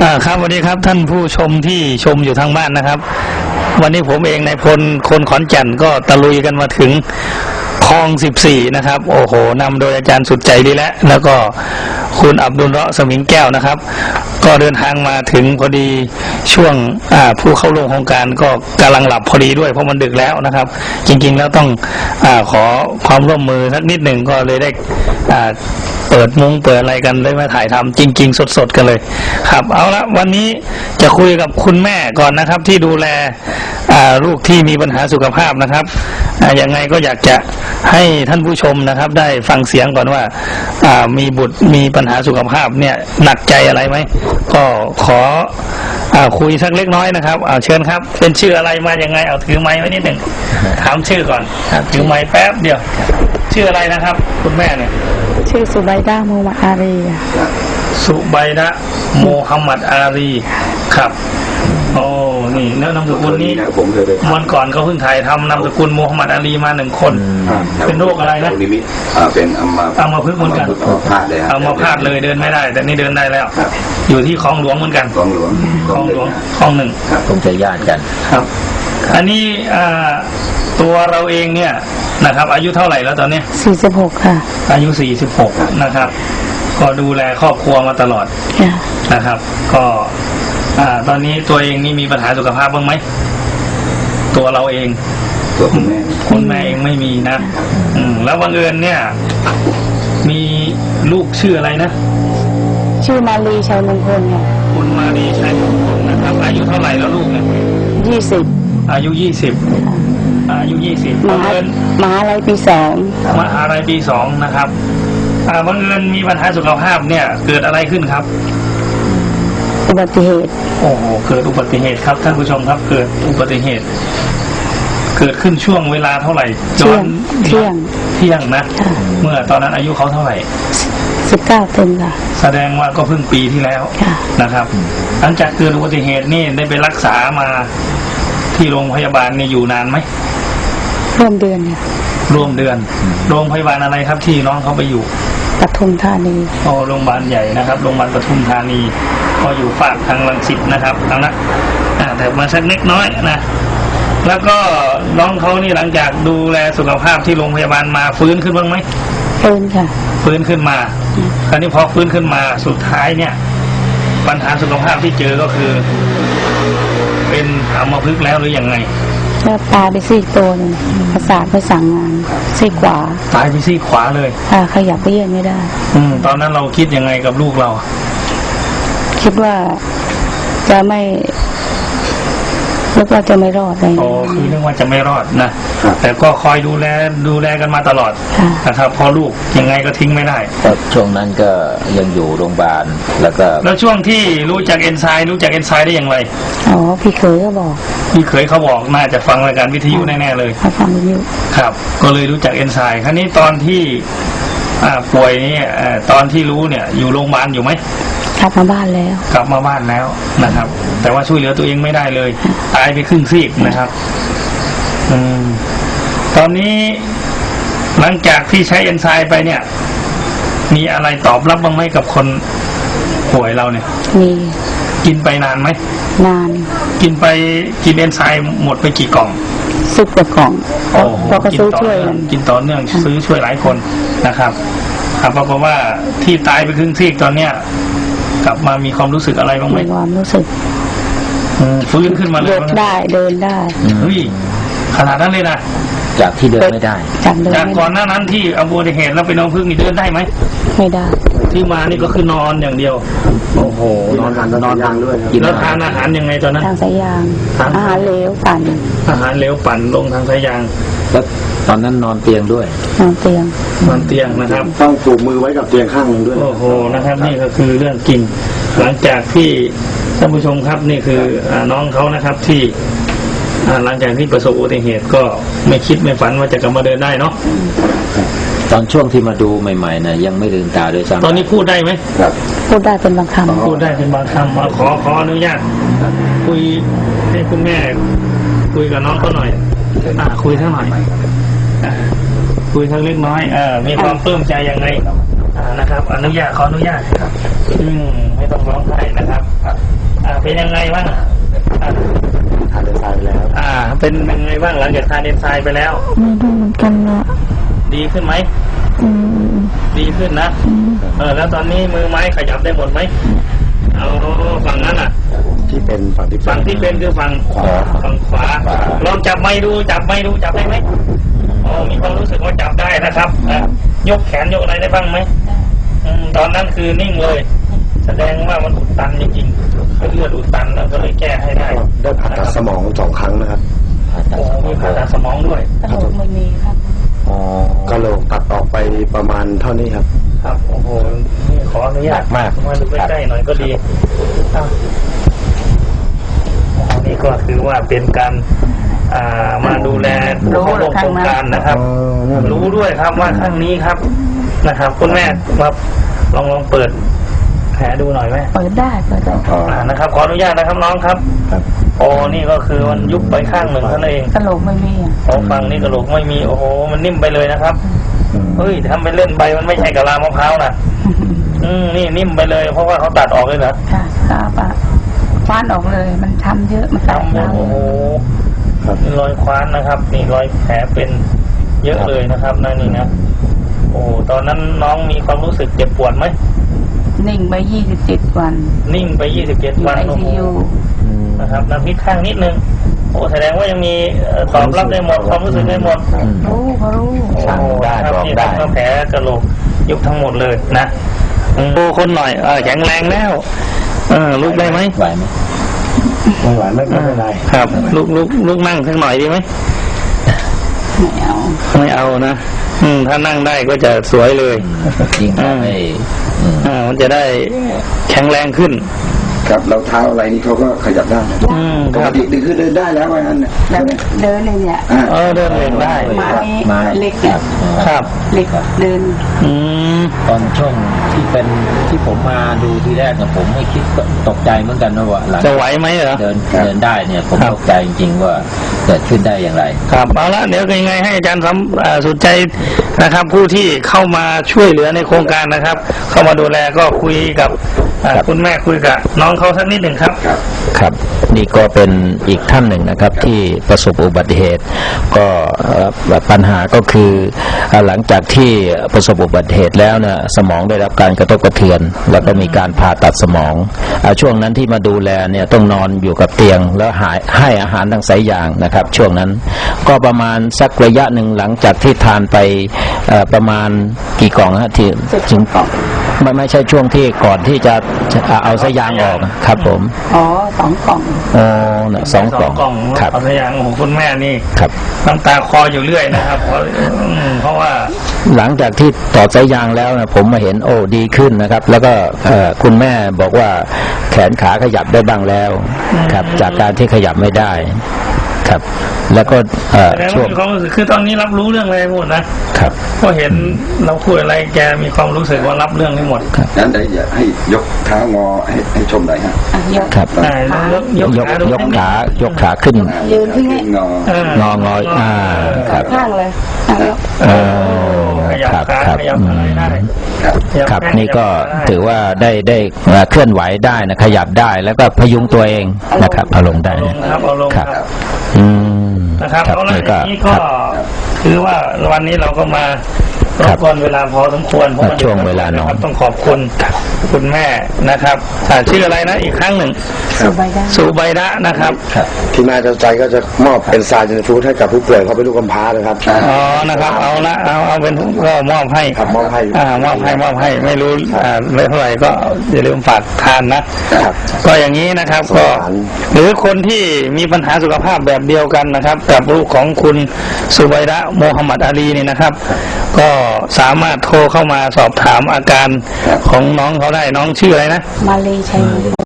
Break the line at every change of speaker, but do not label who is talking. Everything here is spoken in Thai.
ครับสวัสดีครับท่านผู้ชมที่ชมอยู่ทางบ้านนะครับวันนี้ผมเองนายพลคนขอนแก่นก็ตะลุยกันมาถึงคลอง14นะครับโอ้โหนำโดยอาจารย์สุดใจดีแล้วก็คุณอับดุลเราะห์สมิงแก้วนะครับก็เดินทางมาถึงพอดีช่วงผู้เข้าร่วมโครงการก็กำลังหลับพอดีด้วยเพราะมันดึกแล้วนะครับจริงๆแล้วต้องขอความร่วมมือสักนิดหนึ่งก็เลยได้เปิดมุ้งเปิดอะไรกันได้มาถ่ายทำจริงๆสดๆกันเลยครับเอาละวันนี้จะคุยกับคุณแม่ก่อนนะครับที่ดูแลลูกที่มีปัญหาสุขภาพนะครับยังไงก็อยากจะให้ท่านผู้ชมนะครับได้ฟังเสียงก่อนว่ามีบุตรมีปัญหาสุขภาพเนี่ยหนักใจอะไรไหมก็ขอคุยสักเล็กน้อยนะครับเชิญครับเป็นชื่ออะไรมายังไงเอาถือไม้ไว้นิดหนึ่งถามชื่อก่อนถือไม้แป๊บเดียวชื่ออะไรนะครับคุณแม่เนี่ย
ชื่อสุไบดะห์ โมฮัมหมัด อารี
สุไบดะห์ โมฮัมหมัด อารีครับโอ้นี่แล้วนามสกุลนี้วันก่อนเขาเพิ่งถ่ายทำนามสกุลโมฮัมหมัด อารีมา1 คนเป็นโรคอะไรนะ
เป็น
อัมพฤกษ์เหมือนกันอัมพาตเลยเดินไม่ได้แต่นี่เดินได้แล้วอยู่ที่คลองหลวงเหมือนกันคลองหลวงคลอง1
คงจะญาติกัน
ครับอันนี้ตัวเราเองเนี่ยนะครับอายุเท่าไหร่แล้วตอนนี้
46ค่ะ
อายุ46นะครับก็ดูแลครอบครัวมาตลอดนะครับก็ตอนนี้ตัวเองนี่มีปัญหาสุขภาพบ้างไหมตัวเราเอง
ตัวคุณ
แม่เองไม่มีนะแล้วบังเอิญเนี่ยมีลูกชื่ออะไรนะ
ชื่อมาลีชัยมงคลค่ะ
คุณมาลีชัยมงคลนะครับอายุเท่าไหร่แล้วลูกเนี่ย
20
อายุ20
มหาลัยปี2
มหาลัยปี2นะครับบังเอิญมีปัญหาสุขภาพเนี่ยเกิดอะไรขึ้นครับ
อุบัติเหตุ
โอ้โหเกิดอุบัติเหตุครับท่านผู้ชมครับเกิดอุบัติเหตุเกิดขึ้นช่วงเวลาเท่าไหร่
เที่ยง
นะเมื่อตอนนั้นอายุเขาเท่าไหร่
19เต็มค่ะ
แสดงว่าก็เพิ่งปีที่แล้วนะครับหลังจากเกิดอุบัติเหตุนี่ได้ไปรักษามาที่โรงพยาบาลนี่อยู่นานไหม
ร่วมเดือนค่ะ
ร่วมเดือนโรงพยาบาลอะไรครับที่น้องเขาไปอยู่
ปทุมธานี
โรงพยาบาลใหญ่นะครับโรงพยาบาลปทุมธานีก็อยู่ฝากทางรังสิตนะครับเอานะแต่มาสักเล็กน้อยนะแล้วก็น้องเขานี่หลังจากดูแลสุขภาพที่โรงพยาบาลมาฟื้นขึ้นบ้างไหม
ฟื้นค่ะ
ฟื้นขึ้นมาคราวนี้พอฟื้นขึ้นมาสุดท้ายเนี่ยปัญหาสุขภาพที่เจอก็คือเป็นอัมพฤกษ์แล้วหรือยังไง
แล้วตายไปซี่ตัวนึงประสาทไม่สั่งงานซี่ขวา
ตายไปซี่ขวาเลย
ขยับไปเยื่อนไม่ได้
ตอนนั้นเราคิดยังไงกับลูกเรา
คิดว่าจะไม่นึกว่าจะไม่รอดเลย
คือนึกว่าจะไม่รอดนะแต่ก็คอยดูแลกันมาตลอดนะครับพอลูกยังไงก็ทิ้งไม่ได้
ช่วงนั้นก็ยังอยู่โรงพยาบาลแล้ว
ช่วงที่รู้จักเอนไซม์ได้อย่างไร
พี่เคยเขาบอก
น่าจะฟังรายการวิทยุแน่ๆเลย
ฟังวิทยุ
ครับก็เลยรู้จักเอนไซม์ครั้นี้ตอนที่ป่วยนี่ตอนที่รู้เนี่ยอยู่โรงพยาบาลอยู่ไหม
กลับมาบ้าน
แล้วนะครับแต่ว่าช่วยเหลือตัวเองไม่ได้เลยตายไปครึ่งซีกนะครับตอนนี้หลังจากที่ใช้เอนไซม์ไปเนี่ยมีอะไรตอบรับบ้างไหมกับคนป่วยเราเนี่ย
มี
กินไปนานไหม
นาน
กินเอนไซม์หมดไปกี่กล่อง
10 กว่ากล่องเราก็ซื้อช่วย
กินต่อเนื่องซื้อช่วยหลายคนนะครับปรากฏว่าที่ตายไปครึ่งซีกตอนเนี้ยกลับมามีความรู้สึกอะไรบ้างไหม
ความรู้สึก
ฟื้นขึ้นมาเลย
เดินได้
เฮ้ยขนาดนั้นเลยนะ
จากที่เดินไม่ได้
จากก่อนหน้านั้นที่อุบัติเหตุแล้วไปนอนพึ่งนี่เดินได้ไหม
ไม่ได้
ที่มานี่ก็คือนอนอย่างเดียวโอ้โหนอนด้วยแล้วทานอาหารยังไงตอนนั้น
ทางสายยางอาหารเหลวปั่
นลงทางสายยาง
แล้วตอนนั้นนอนเตียงด้วย
นอนเตียง
นะครับ
ต้องผูกมือไว้กับเตียงข้างนึงด้วย
โอ้โหนะครับนี่ก็คือเรื่องกินหลังจากที่ท่านผู้ชมครับนี่คือน้องเขานะครับที่หลังจากที่ประสบอุบัติเหตุก็ไม่คิดไม่ฝันว่าจะกลับมาเดินได้เนาะ
ตอนช่วงที่มาดูใหม่ๆนะยังไม่ลืมตาด้วยซ้ำ
ตอนนี้พูดได้ไหม
พูดได้เป็นบางคำ
ขออนุญาตคุยให้คุณแม่คุยกับน้องเขาหน่อยคุยทั้งหน่อยคุยทั้งเล็กน้อยมีความปลื้มใจยังไงนะครับ ขออนุญาตครับไม่ต้องร้องไห้นะครับเป็นยังไงบ้าง
ทานเดนไซน์ไปแล้ว
เป็นยังไงบ้างหลังจากทานเอนไซม์ไปแล้ว
ไม่รู้เหมือนกันนะ
ดีขึ้นไหมดีขึ้นนะแล้วตอนนี้มือไม้ขยับได้หมดไหมเอาฝั่งนั้น
ที่เป็นฝั่งที่
เป็นคือฝั่งขวาลองจับไม้ดูจับได้ไหมมีความรู้สึกว่าจับได้นะครับยกแขนยกอะไรได้บ้างไหมตอนนั้นคือนิ่งเลยแสดงว่ามันอุดตันจริงๆเลือดอุดตันแล้วก็เลยแก้ให้ได้
ผ่าตัดสมอง2 ครั้งนะครับ
มีผ่าตัดสมองด้วย
กระโหลกไม่มีครับ
กระโหลกตัดออกไปประมาณเท่านี้ครับ
โอ้โหนี่ขออนุญาตมาดูใกล้ๆหน่อยก็ดีนี่ก็คือว่าเป็นการมาดูแลผู้เข้าร่วมโครงการนะครับรู้ด้วยครับว่าครั้งนี้ครับนะครับคุณแม่ครับลองเปิดแผลดูหน่อยไหม
เปิดได้
นะครับขออนุญาตนะครับน้องครับนี่ก็คือมันยุบไปข้างหนึ่งเท่านั้นเอง
กระโหลกไม่มี
ฟังนี่กระโหลกไม่มีโอ้โหมันนิ่มไปเลยนะครับเฮ้ยทำไปเล่นไปมันไม่ใช่กะลามะพร้าวนะนี่นิ่มไปเลยเพราะว่าเขาตัดออกเลยนะ
ค่ะครับคว้านออกเลยมันช้ำเยอะมันแตก
โอ้โหนี่รอยคว้านนะครับนี่รอยแผลเป็นเยอะเลยนะครับนี่นะโอ้ตอนนั้นน้องมีความรู้สึกเจ็บปวดไหม
นิ่งไป27 วัน
นิ่งไป27 วันโอ้โหนะครับน้ำพริกข้างนิดนึงแสดงว่ายังมีตอบรับได้หมดความรู้สึกได้หมด
รู้
สั่งได้บอกได้แผลกระโหลกยุบทั้งหมดเลยนะดูคนหน่อยแข็งแรงแล้วลุกได้ไหม
ไหวไหม
ไม่ไหวไม่เป็นไร
ครับลุกนั่งสักหน่อยดีไหมไม่เอานะถ้านั่งได้ก็จะสวยเลย
จริง
มันจะได้แข็งแรงขึ้น
ครับเราเท้าอะไรนี่เขาก็ขยับได้ปกติคือเดินได้แล้วว่างั้น
เดินเลยเนี่ย
เดินเองได้
มาเล็กเนี่ย
ครับ
เล็กเดิน
ตอนช่วงที่ผมมาดูทีแรกเนี่ยผมไม่คิดตกใจเหมือนกันนะว่าหลัง
จะไหวไหมเหรอ
เดินได้เนี่ยผมตกใจจริงๆว่าเกิดขึ้นได้อย่างไร
ครับเอาละเดี๋ยวยังไงให้อาจารย์สุดใจนะครับผู้ที่เข้ามาช่วยเหลือในโครงการนะครับเข้ามาดูแลก็คุยกับคุณแม่คุยกับน้องเขาสักนิดหนึ่งครับ
ครับนี่ก็เป็นอีกท่านหนึ่งนะครับที่ประสบอุบัติเหตุก็ปัญหาก็คือหลังจากที่ประสบอุบัติเหตุแล้วเนี่ยสมองได้รับการกระทบกระเทือนแล้วก็มีการผ่าตัดสมองช่วงนั้นที่มาดูแลเนี่ยต้องนอนอยู่กับเตียงแล้วให้อาหารทางสายยางนะครับช่วงนั้นก็ประมาณสักระยะหนึ่งหลังจากที่ทานไปประมาณกี่กล่องฮะที่ถึงไม่ใช่ช่วงที่ก่อนที่จะเอาสายยางออกครับผม
2 กล่อง
2 กล่อง
ครับเอาสายยางของคุณแม่นี่
ครับ
น้ำตาคออยู่เรื่อยนะครับเพราะว่า
หลังจากที่ต่อสายยางแล้วนะผมมาเห็นดีขึ้นนะครับแล้วก็คุณแม่บอกว่าแขนขาขยับได้บ้างแล้วครับจากการที่ขยับไม่ได้ครับแล้วก็
ช่วงคือตอนนี้รับรู้เรื่องอะไรหมดนะครับก็เห็นเราคุยอะไรแกมีความรู้สึกว่ารับเรื่องทั้งหมด
งั้นได้อยากให้ยกเท้างอให้ชมหน่อยฮะ
ครับยกขาขึ้น
ยืนที่
งอครับ
ข้างเลย
ครับนี่ก็ถือว่าได้เคลื่อนไหวได้นะขยับได้แล้วก็พยุงตัวเองนะครับเอาลงได้
ครับนะครับเอาละนี้ก็คือว่าวันนี้เราก็มารบกวนเวลาพอสมควรเพราะ
ช่วงเวลาน้อย
ต้องขอบคุณคุณแม่นะครับชื่ออะไรนะอีกครั้งหนึ่งสุใบดะนะครับ
ที่น่าจะใจก็จะมอบเป็นซาจินฟูดให้กับผู้ป่วยเขาเป็นลูกกำพร้านะครับ
นะครับเอาเป็นก็มอบให้
มอบ
ให้ไม่รู้ไม่เท่าไหร่ก็อย่าลืมฝากทานนะก็อย่างนี้นะครับก็หรือคนที่มีปัญหาสุขภาพแบบเดียวกันนะครับกับลูกของคุณสุใบดะโมฮัมหมัดอาลีนี่นะครับก็สามารถโทรเข้ามาสอบถามอาการของน้องเขาได้น้องชื่ออะไรนะ
มาลีชัย